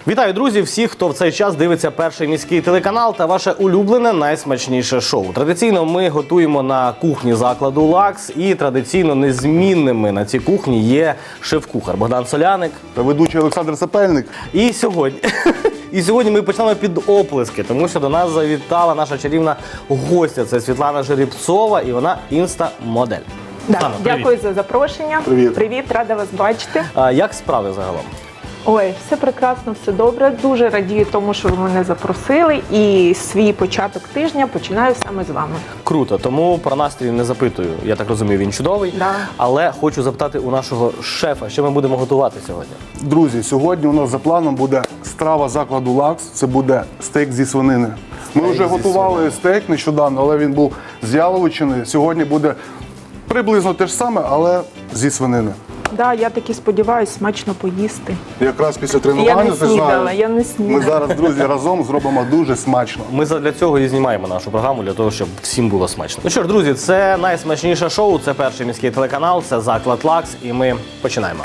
Вітаю, друзі! Всіх, хто в цей час дивиться перший міський телеканал та ваше улюблене найсмачніше шоу. Традиційно ми готуємо на кухні закладу «Лакс» і традиційно незмінними на цій кухні є шеф-кухар Богдан Соляник. Та ведучий Олександр Сапельник. І сьогодні ми почнемо під оплески, тому що до нас завітала наша чарівна гостя. Це Світлана Жеребцова, і вона інста-модель. Да, дякую за запрошення. Привіт, рада вас бачити. Як справи загалом? Ой, все прекрасно, все добре. Дуже радію тому, що ви мене запросили. І свій початок тижня починаю саме з вами. Круто, тому про настрій не запитую. Я так розумію, він чудовий. Да. Але хочу запитати у нашого шефа, що ми будемо готувати сьогодні. Друзі, сьогодні у нас за планом буде страва закладу «Лакс». Це буде стейк зі свинини. Ми вже готували стейк нещодавно, але він був з яловичини. Сьогодні буде приблизно те ж саме, але зі свинини. Да, я таки сподіваюся смачно поїсти. Якраз після Я тренування, не ти снідала, знаєш, я не снідала. ми зараз, друзі, разом зробимо дуже смачно. Ми задля цього і знімаємо нашу програму, для того, щоб всім було смачно. Ну що ж, друзі, це найсмачніше шоу, це перший міський телеканал, це заклад «Лакс», і ми починаємо.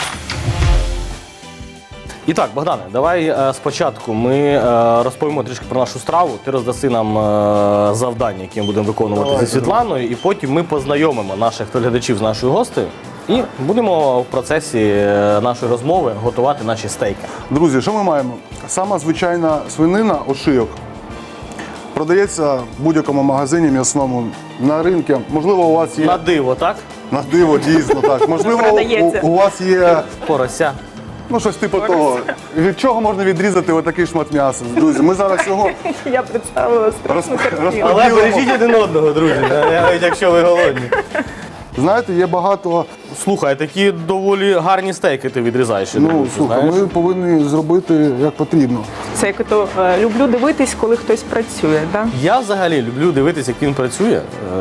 І так, Богдане, давай спочатку ми розповімо трішки про нашу страву. Ти роздаси нам завдання, які ми будемо виконувати зі Світланою, і потім ми познайомимо наших глядачів з нашою гостею і будемо в процесі нашої розмови готувати наші стейки. Друзі, що ми маємо? Сама звичайна свинина, ошийок. Продається в будь-якому магазині м'ясному, на ринку. Можливо, у вас є... На диво, так? На диво, дійсно, так. Можливо, у вас є... Порося. Ну, щось типу того. Від чого можна відрізати отакий шмат м'яса? Друзі, ми зараз його Я представила страшну картину. Але бережіть один одного, друзі, навіть якщо ви голодні. знаєте, є багато... Слухай, такі доволі гарні стейки ти відрізаєш. Ну, слухай, ми повинні зробити як потрібно. Це як то люблю дивитись, коли хтось працює, да? Я взагалі люблю дивитися, як він працює.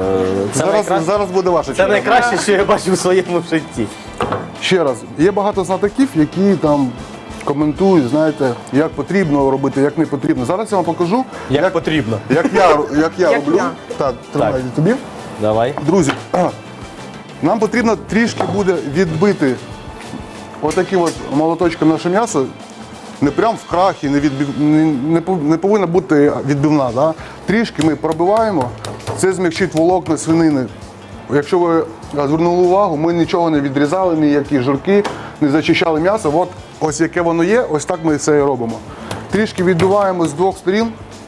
Зараз буде ваша Це черга. найкраще, що я бачу в своєму житті. Ще раз, є багато знатоків, які там коментують, знаєте, як потрібно робити, як не потрібно. Зараз я вам покажу, Як потрібно. як я роблю. я. Так, тримай тобі. Давай. Друзі, нам потрібно трішки буде відбити отаким от молоточком наше м'ясо. Не прям в крахі, не повинна бути відбивна. Да? Трішки ми пробиваємо, це змягчить волокна свинини. Якщо ви звернули увагу, ми нічого не відрізали, ніякі жирки, не зачищали м'ясо. От ось яке воно є, ось так ми це і робимо. Трішки відбиваємо з двох сторін.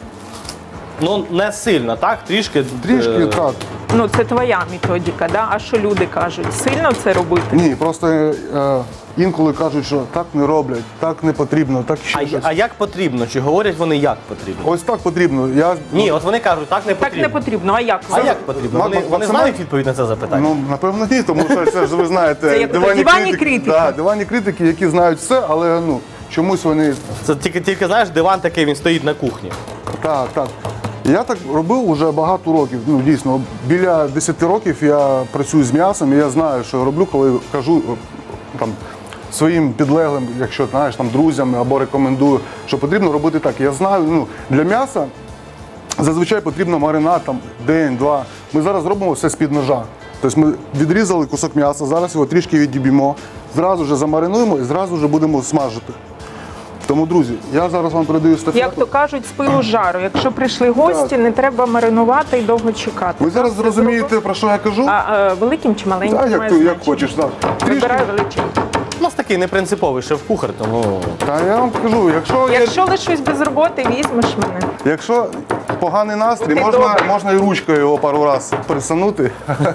Ну, не сильно, так? Трішки. Трішки, так. Ну, це твоя методика, да? А що люди кажуть? Сильно це робити? Ні, просто інколи кажуть, що так не роблять, так не потрібно, так ще щось. А як потрібно? Чи говорять вони, як потрібно? Ось так потрібно. Ні, от вони кажуть, так не Так потрібно. не потрібно, а як? А як потрібно? Вони Максимально- знають відповідь на це запитання? Ну, напевно, ні, тому що це ж ви знаєте, Це як диванні критики. Да, диванні критики, які знають все, але ну, чомусь вони. Це тільки знаєш, диван такий, він стоїть на кухні. Так, так. Я так робив уже багато років. Ну, дійсно, біля 10 років я працюю з м'ясом, і я знаю, що я роблю, коли кажу там своїм підлеглим, якщо знаєш, там друзям або рекомендую, що потрібно робити так. Я знаю, ну, для м'яса зазвичай потрібно маринад там день-два. Ми зараз робимо все з-під ножа. Тобто ми відрізали кусок м'яса, зараз його трішки відіб'ємо, зразу ж замаринуємо і зразу ж будемо смажити. Тому, друзі, я зараз вам передаю естафету. Як то кажуть, з пилу з жару. Якщо прийшли гості, не треба маринувати і довго чекати. Ви зараз зрозумієте, про що я кажу? А великим чи маленьким? Так, має як значення? хочеш. Так. Вибираю величезний. У нас такий непринциповий шеф-кухар, тому... Та я вам кажу, Якщо лишусь без роботи, візьмеш мене. якщо поганий настрій, Ти можна, добре. можна і ручкою його пару разів присунути.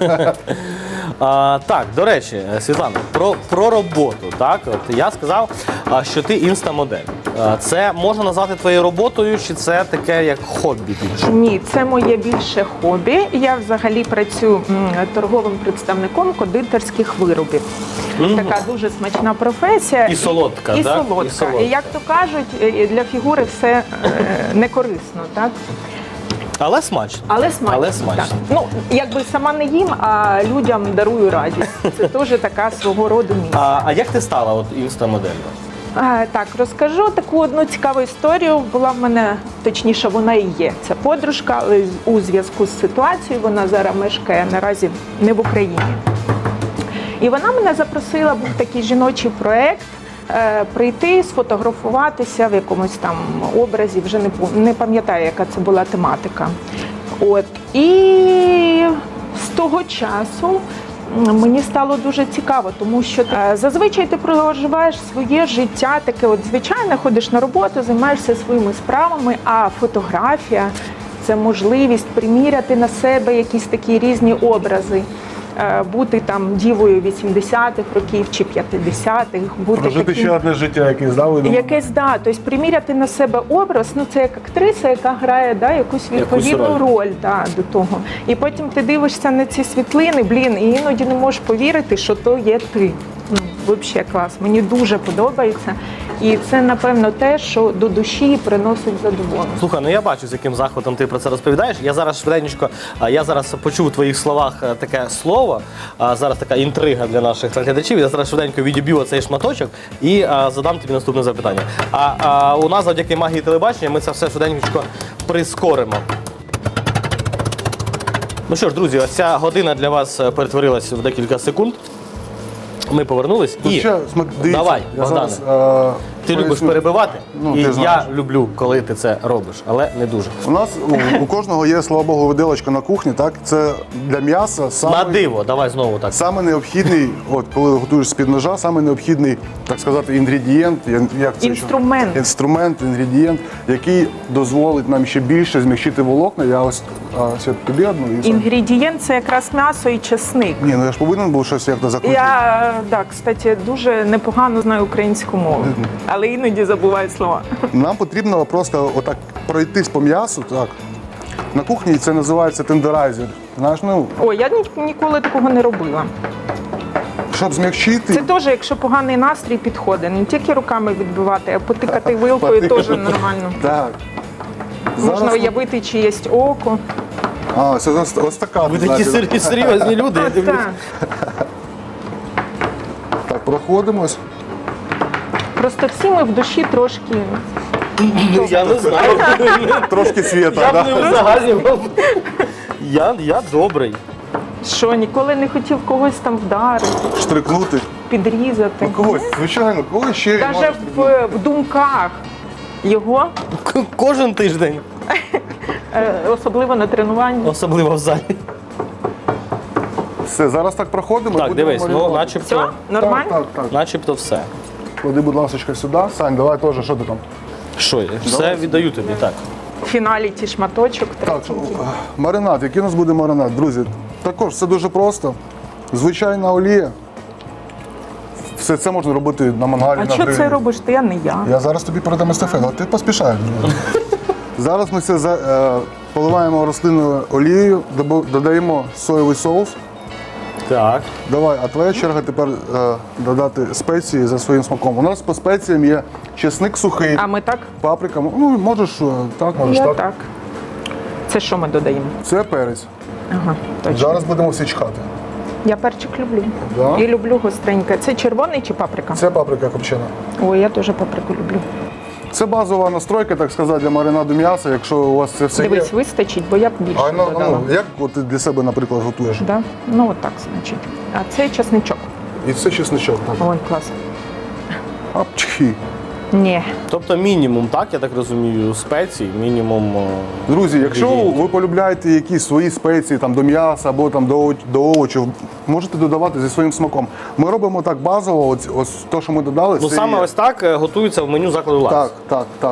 Так, до речі, Світлана, про роботу. Так? От я сказав, що ти інстамодель. Це можна назвати твоєю роботою, чи це таке як хобі більше? Ні, це моє більше хобі. Я взагалі працюю торговим представником кондитерських виробів. Така дуже смачна професія. І солодка, і так? солодка. І солодка. І як то кажуть, для фігури все не корисно, так? Але смачно. Але смачно. Але смачно. Так. Ну, якби сама не їм, а людям дарую радість. Це теж така свого роду місія. А як ти стала от інстамоделлю? Так, розкажу таку одну цікаву історію. Була в мене, точніше, вона і є. Це подружка, але у зв'язку з ситуацією вона зараз мешкає наразі не в Україні. І вона мене запросила, був такий жіночий проєкт прийти, сфотографуватися в якомусь там образі, вже не пам'ятаю, яка це була тематика. От. І з того часу мені стало дуже цікаво, тому що зазвичай ти проживаєш своє життя, таке от звичайне, ходиш на роботу, займаєшся своїми справами, а фотографія – це можливість приміряти на себе якісь такі різні образи. Бути там дівою 80-х років чи 50-х, бути Прожити таким... ще одне життя якесь, да? ви думаєте? Якесь, да, тобто приміряти на себе образ, ну це як актриса, яка грає, да, якусь відповідну роль, да, до того. І потім ти дивишся на ці світлини, блін, і іноді не можеш повірити, що то є ти. Ну, взагалі клас. Мені дуже подобається. І це, напевно, те, що до душі приносить задоволення. Слухай, ну я бачу, з яким захватом ти про це розповідаєш. Я зараз швиденько, я зараз почув у твоїх словах таке слово, зараз така інтрига для наших глядачів. Я зараз швиденько відіб'ю оцей шматочок і задам тобі наступне запитання. У нас завдяки магії телебачення ми це все швиденько прискоримо. Ну що ж, друзі, ось ця година для вас перетворилась в декілька секунд. Ми повернулись Ну, і ще, дивіться, давай, я Богдане. зараз, Ти любиш поясню. перебивати, Ну, і ти знаєш. я люблю, коли ти це робиш, але не дуже. У нас у кожного є, слава Богу, виделочка на кухні, так? Це для м'яса На саме, диво, давай знову так. саме необхідний, от коли готуєш з-під ножа, саме необхідний, так сказати, інгредієнт, як це Інструмент. Інструмент, інгредієнт, який дозволить нам ще більше змягчити волокна. Я ось Свят, тобі одну і все. Інгредієнт – це якраз м'ясо і чесник. Ні, ну я ж повинен був щось як-то закрутити. Я, так, кстати, дуже непогано знаю українську мову, але іноді забуваю слова. Нам потрібно просто отак пройтись по м'ясу, так. На кухні це називається тендерайзер. Знаєш, ну, Ой, я ніколи такого не робила. щоб змягчити. Це теж, якщо поганий настрій, підходить. Не тільки руками відбивати, а потикати вилкою теж нормально. Так. Можна Зараз ми- уявити чиєсь око. це ось така. Ви такі знаєте, серйозні люди, я дивлюсь. Так. Так, проходимось. Просто всі ми в душі трошки. Я не знаю. Трошки світа, Я б да? не узагальнював. Я добрий. Що, ніколи не хотів когось там вдарити, Штрикнути. підрізати. Когось, звичайно, когось ще Навіть можеш в думках його, Кожен тиждень, особливо на тренуванні. особливо в залі. Все, зараз так проходимо. Так, будемо дивись, ну маринувати. начебто, Все? Нормально? Так, так, так. начебто все. Клади, будь ласка, сюди. Сань, давай теж, що ти там? Що я? Все віддаю тобі, так. В фіналі ті шматочок. Так, третій. маринад. Який у нас буде маринад, друзі? Також все дуже просто. Звичайна олія. Все це можна робити на мангалі, А на що грилі. це робиш ти, а не я? Я зараз тобі передам естафету, а ти поспішаєш. Зараз ми це поливаємо рослинною олією, додаємо соєвий соус. Так. Давай, а твоя черга тепер додати спеції за своїм смаком. У нас по спеціям є чесник сухий, А ми так? паприка. Ну, можеш так, можеш Я так. так. Це що ми додаємо? Це перець. Ага, точно. Зараз будемо всі чхати. Я перчик люблю. Да? І люблю гостреньке. Це червоний чи паприка? Це паприка копчена. Ой, я теж паприку люблю. Це базова настройка, так сказати, для маринаду м'яса, якщо у вас це все Дивись, є. вистачить, бо я б більше А додала. як от ти для себе, наприклад, готуєш? Да? Ну, от так, значить. А це чесничок. І це чесничок. Так. Ой, клас. Апчхі. Ні. Тобто мінімум, так, я так розумію, спецій, мінімум. Друзі, якщо інгредієнтів. ви полюбляєте якісь свої спеції там, до м'яса або там, до овочів, можете додавати зі своїм смаком. Ми робимо так базово, ось те, що ми додали. Ну це саме є. ось так готується в меню закладу «Лакс». Так, так, так.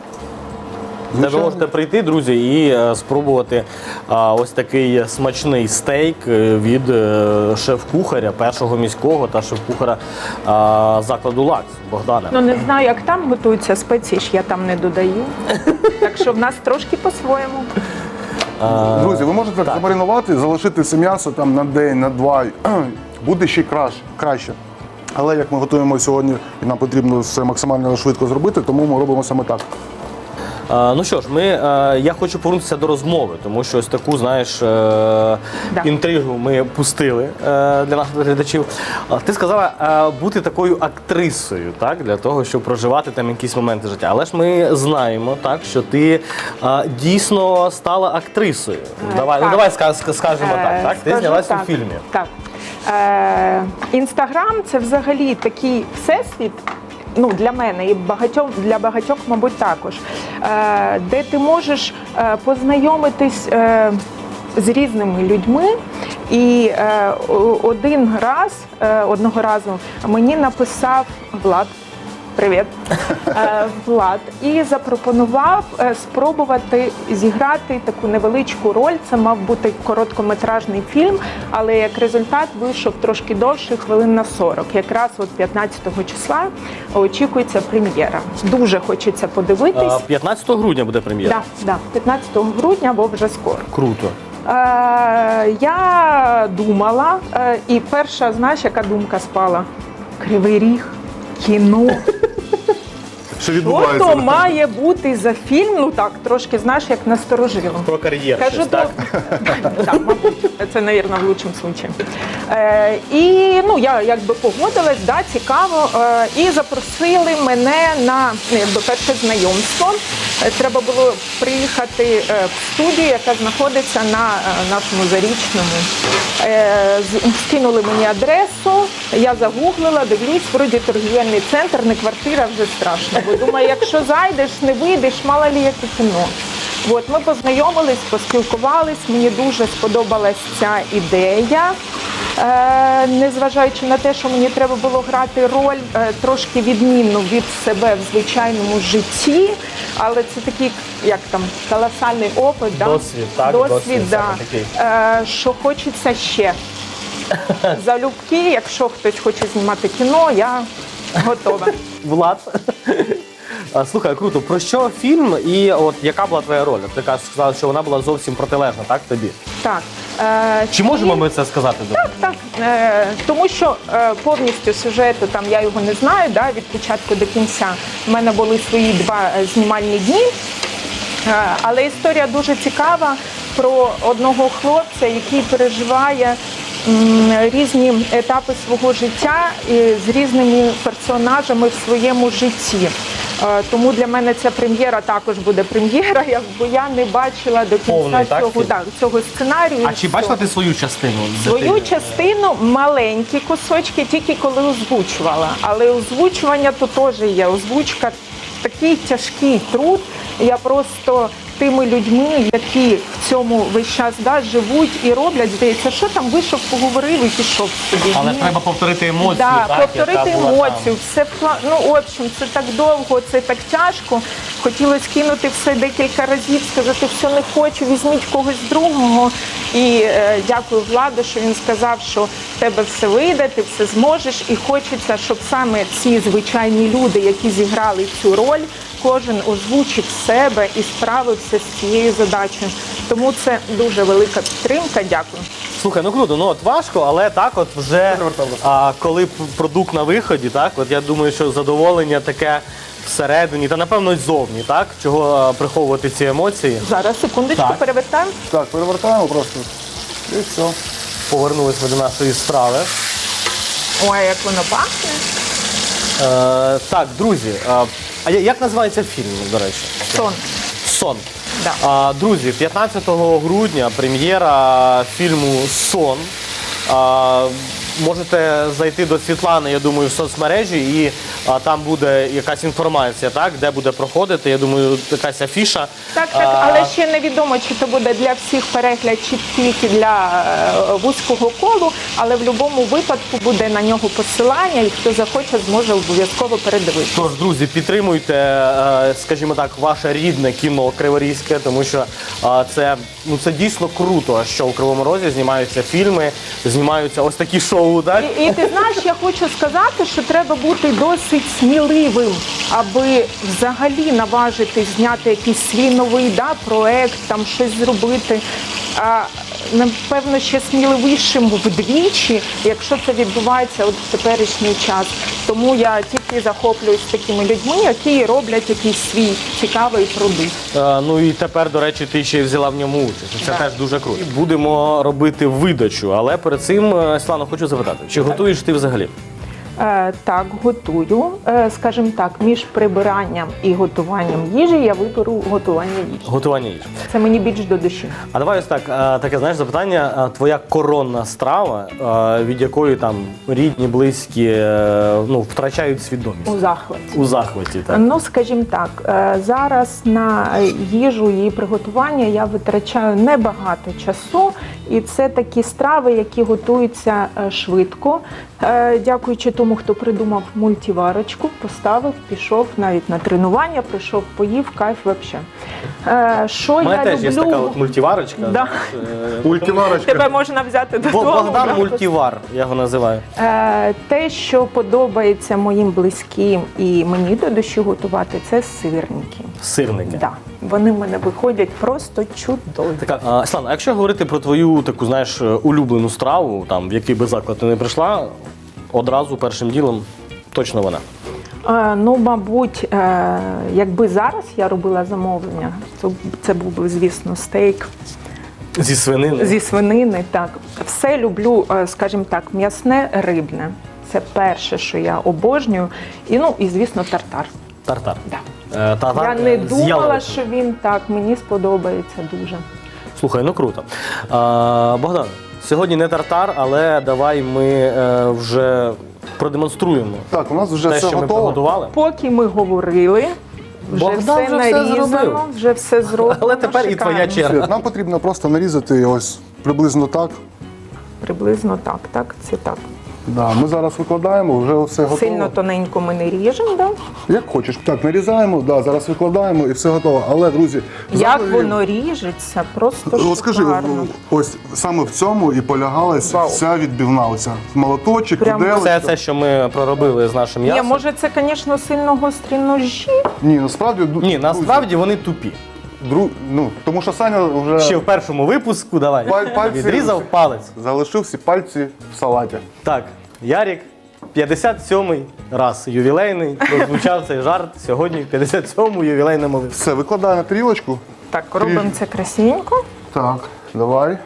Де ви Звичайно. можете прийти, друзі, і спробувати ось такий смачний стейк від шеф-кухаря, першого міського та шеф-кухаря закладу «Лакс» Богдана. Ну, не знаю, як там готуються спеції, ж я там не додаю. Так що в нас трошки по-своєму. Друзі, ви можете так замаринувати, залишити це м'ясо там на день, на два. Буде ще краще. Але як ми готуємо сьогодні, і нам потрібно все максимально швидко зробити, тому ми робимо саме так. Ну що ж, я хочу повернутися до розмови, тому що ось таку, знаєш, інтригу ми пустили для наших глядачів. Ти сказала бути такою актрисою, так, для того, щоб проживати там якісь моменти життя. Але ж ми знаємо, так, що ти дійсно стала актрисою. Давай, так. ну давай скажемо так. Ти Скажу знялась так. у фільмі. Так. Інстаграм – це взагалі такий всесвіт, ну, для мене і для багатьох, мабуть, також, де ти можеш познайомитись з різними людьми. І одного разу мені написав Влад, привіт, Влад, і запропонував спробувати зіграти таку невеличку роль. Це мав бути короткометражний фільм, але як результат вийшов трошки довше, хвилин на 40. Якраз от 15 числа очікується прем'єра. Дуже хочеться подивитись. 15 грудня буде прем'єра? Так, 15 грудня, бо вже скоро. Круто. Я думала, і перша, знаєш, яка думка спала? Кривий Ріг, кіно. Що Що відбувається? то має бути за фільм? Ну так, трошки, знаєш, як насторожило. Про кар'єру Кажу, щось, так? Так, мабуть, це, мабуть, в лучшому случаї. І ну, я якби погодилась, да, цікаво, і запросили мене на перше знайомство. Треба було приїхати в студію, яка знаходиться на нашому Зарічному. Скинули мені адресу, я загуглила, дивлюсь, вроді торгівельний центр, не квартира, вже страшно. Бо думаю, якщо зайдеш, не вийдеш, мало лі яке кіно. От, ми познайомились, поспілкувались, мені дуже сподобалась ця ідея. Незважаючи на те, що мені треба було грати роль трошки відмінну від себе в звичайному житті, але це такий, як там, колосальний опит, Досвід, так? Досвід, да. саме такий. Що хочеться ще. Залюбки, якщо хтось хоче знімати кіно, я готова. Влад. Слухай, круто. Про що фільм і от яка була твоя роль? Ти сказала, що вона була зовсім протилежна, так, тобі? Так. Чи можемо ми це сказати? Так, тому що повністю сюжету, там я його не знаю, да, від початку до кінця. У мене були свої 2 знімальні дні, але історія дуже цікава про одного хлопця, який переживає різні етапи свого життя з різними персонажами в своєму житті. Тому для мене ця прем'єра також буде прем'єра, бо я не бачила до кінця цього сценарію. А чи бачила ти свою частину? Свою частину, маленькі кусочки, тільки коли озвучувала. Але озвучування то теж є. Озвучка такий тяжкий труд. Я просто тими людьми, які в цьому весь час живуть і роблять, здається, що там вийшов, поговорив і пішов собі. Але треба повторити емоцію, так, повторити яка була емоцію. Все, ну, в общем, це так довго, це так тяжко. Хотілося кинути все декілька разів, сказати, все не хочу, візьміть когось другого. І дякую Владу, що він сказав, що в тебе все вийде, ти все зможеш. І хочеться, щоб саме ці звичайні люди, які зіграли цю роль, кожен озвучив себе і справився з цією задачею. Тому це дуже велика підтримка. Дякую. Слухай, ну круто, ну от важко, але так от вже коли продукт на виході, так, от я думаю, що задоволення таке всередині, та напевно й ззовні, так? Чого приховувати ці емоції. Зараз, секундочку, Так. перевертаємо. Так, перевертаємо просто. І все. Повернулись ми до нашої страви. Ой, як воно пахне. Так, друзі, а як називається фільм, до речі? Сон. «Сон». Да. Друзі, 15 грудня прем'єра фільму «Сон». Можете зайти до Світлани, я думаю, в соцмережі, і там буде якась інформація, так, де буде проходити, я думаю, якась афіша. Так, але ще невідомо, чи це буде для всіх перегляд, чи тільки для вузького колу, але в будь-якому випадку буде на нього посилання, і хто захоче, зможе обов'язково передивитися. Тож, друзі, підтримуйте, скажімо так, ваше рідне кіно криворізьке, тому що це дійсно круто, що у Кривому Розі знімаються фільми, знімаються ось такі шоу. Так? І ти знаєш, я хочу сказати, що треба бути досить сміливим, аби взагалі наважити зняти якийсь свій новий проект, там щось зробити. Напевно, ще сміливішим вдвічі, якщо це відбувається от в теперішній час. Тому я тільки захоплююсь такими людьми, які роблять якийсь свій цікавий продукт. Ну і тепер, до речі, ти ще й взяла в ньому участь. Це Так. теж дуже круто. Будемо робити видачу, але перед цим, Світлано, хочу запитати, чи готуєш ти взагалі? Так, готую. Скажімо так, між прибиранням і готуванням їжі я виберу готування їжі. Готування їжі. Це мені більш до душі. А давай ось так, таке, знаєш, запитання. Твоя коронна страва, від якої там рідні, близькі, втрачають свідомість? У захваті. У захваті, так. Ну, скажімо так, зараз на їжу і приготування я витрачаю небагато часу, і це такі страви, які готуються швидко. Дякуючи тому, хто придумав мультиварочку, поставив, пішов навіть на тренування, прийшов, поїв, кайф взагалі. Що У мене я теж люблю? є така от мультиварочка. Да. Мультиварочка. Тебе можна взяти додому. Богдан правда? Мультивар, я його називаю. Те, що подобається моїм близьким і мені до душі готувати, це сирники. Сирники. Да. Вони в мене виходять просто чудові. Така, Слана, а якщо говорити про твою таку, знаєш, улюблену страву, там, в який би заклад ти не прийшла, одразу першим ділом точно вона. Ну, мабуть, якби зараз я робила замовлення, то це був би, звісно, стейк Зі свинини? зі свинини. Так. Все люблю, скажімо так, м'ясне, рибне. Це перше, що я обожнюю. І звісно, тартар. Тартар. Да. Тартар Я не з думала, яловичиною. що він так мені сподобається дуже. Слухай, ну круто. Богдан, сьогодні не тартар, але давай ми вже продемонструємо Так, у нас вже те, все що ми готово. приготували. Поки ми говорили, вже Богдан все вже все нарізано, зробив. вже все зроблено. Але тепер і твоя шикарно. черга. Світ, нам потрібно просто нарізати ось приблизно так. Приблизно так, це так. Да, ми зараз викладаємо, вже все готово. Сильно тоненько ми не ріжемо, да? Як хочеш. Так, нарізаємо, да, зараз викладаємо і все готово. Але, друзі, Як взагалі, воно ріжеться, просто от скажи, шикарно. ось саме в цьому і полягалась Вау. вся відбивна. Оця молоточок, Прям виделочка. Це що ми проробили з нашим Ні, м'ясом. може це, звісно, сильно гострі ножі. Ні, насправді, Ні, насправді вони тупі. тому що Саня вже Ще в першому випуску, давай, Пальці- відрізав палець. залишив всі пальці в салаті. Так, Ярік, 57-й раз ювілейний, прозвучав цей жарт сьогодні в 57-му ювілейному випуску. Все, викладаю на тарілочку. Так, робимо це красивенько. Так, давай.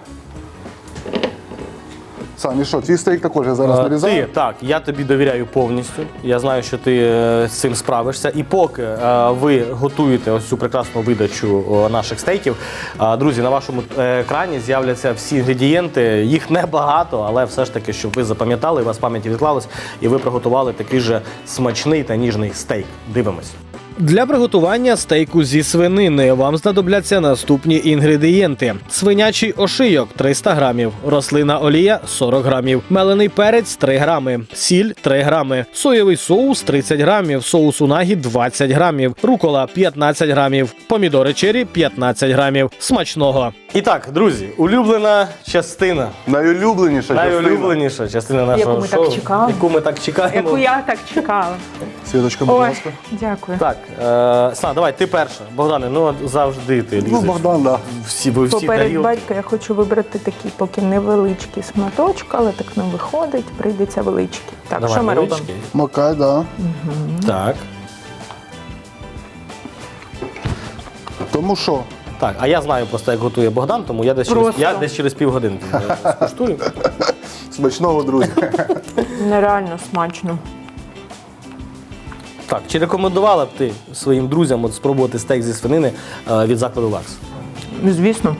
Саня, що, твій стейк також я зараз нарізаю? Так, я тобі довіряю повністю. Я знаю, що ти з цим справишся. І поки ви готуєте ось цю прекрасну видачу наших стейків, друзі, на вашому екрані з'являться всі інгредієнти. Їх небагато, але все ж таки, щоб ви запам'ятали, у вас в пам'яті відклалось, і ви приготували такий же смачний та ніжний стейк. Дивимось. Для приготування стейку зі свинини вам знадобляться наступні інгредієнти: свинячий ошийок 300 грамів, рослина олія 40 грамів, мелений перець 3 грами, сіль 3 грами, соєвий соус 30 грамів, соус унагі 20 грамів, рукола 15 грамів, помідори чері 15 грамів. Смачного! І так, друзі, улюблена частина. Найулюбленіша Найулюбленіша частина нашого Яку ми шоу. так чекали. Яку ми так чекаємо. Яку я так чекала. Світочка, будь Ой, ласка. дякую. Так, Слава, давай, ти перша. Богдане, ну от завжди ти лізеш. Ну, Богдан, да. Ви всі Поперед тарілки. батька я хочу вибрати такий поки невеличкий шматочок, але так не виходить, прийдеться величкий. Так, Давай, що ми робимо? невеличкий. Макай, да. Так. Тому що Так, а я знаю просто, як готує Богдан, тому я десь через півгодинки скуштую. смачного, друзі. Нереально смачно. Так, чи рекомендувала б ти своїм друзям от спробувати стейк зі свинини від закладу Лакс? Звісно.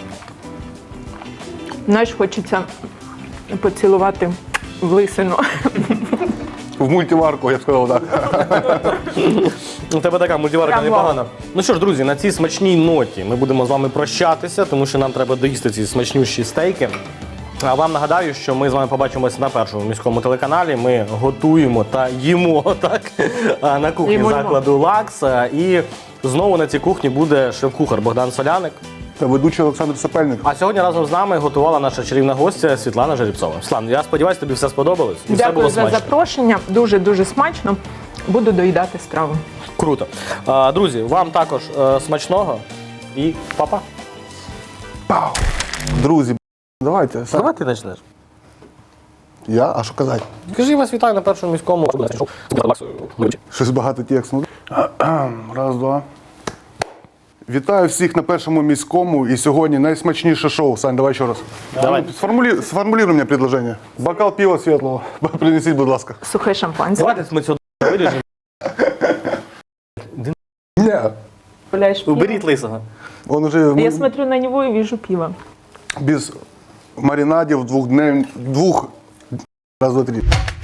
Знаєш, хочеться поцілувати в лисину. В мультиварку, я б сказав, так. У тебе така мультиварка Прям непогана. Ну що ж, друзі, на цій смачній ноті ми будемо з вами прощатися, тому що нам треба доїсти ці смачнющі стейки. А вам нагадаю, що ми з вами побачимося на першому міському телеканалі. Ми готуємо та їмо так на кухні Їмо. закладу Лакс. І знову на цій кухні буде шеф-кухар Богдан Соляник. Та ведучий Олександр Сапельник. А сьогодні разом з нами готувала наша чарівна гостя Світлана Жеребцова. Світлана, я сподіваюся, тобі все сподобалось і все Дякую було за смачно. запрошення. Дуже-дуже смачно. Буду доїдати страву. Круто. Друзі, вам також смачного і па-па. Пау! Друзі, давайте. Сань. Давай ти почнеш. Я? А що казати? Скажи, вас вітаю на першому міському. Щось багато тексту. Раз, два. Вітаю всіх на першому міському. І сьогодні найсмачніше шоу. Сань, давай ще раз. Давай. Сформулируй мені предложення. Бокал пива світлого. Принесіть, будь ласка. Сухе шампанське. Давайте ми цього виріжемо. Ні. Гуляєш пиво. Уберіть лисого. Он уже Я смотрю на него и вижу пиво. без маринадів двох, раз, два, три.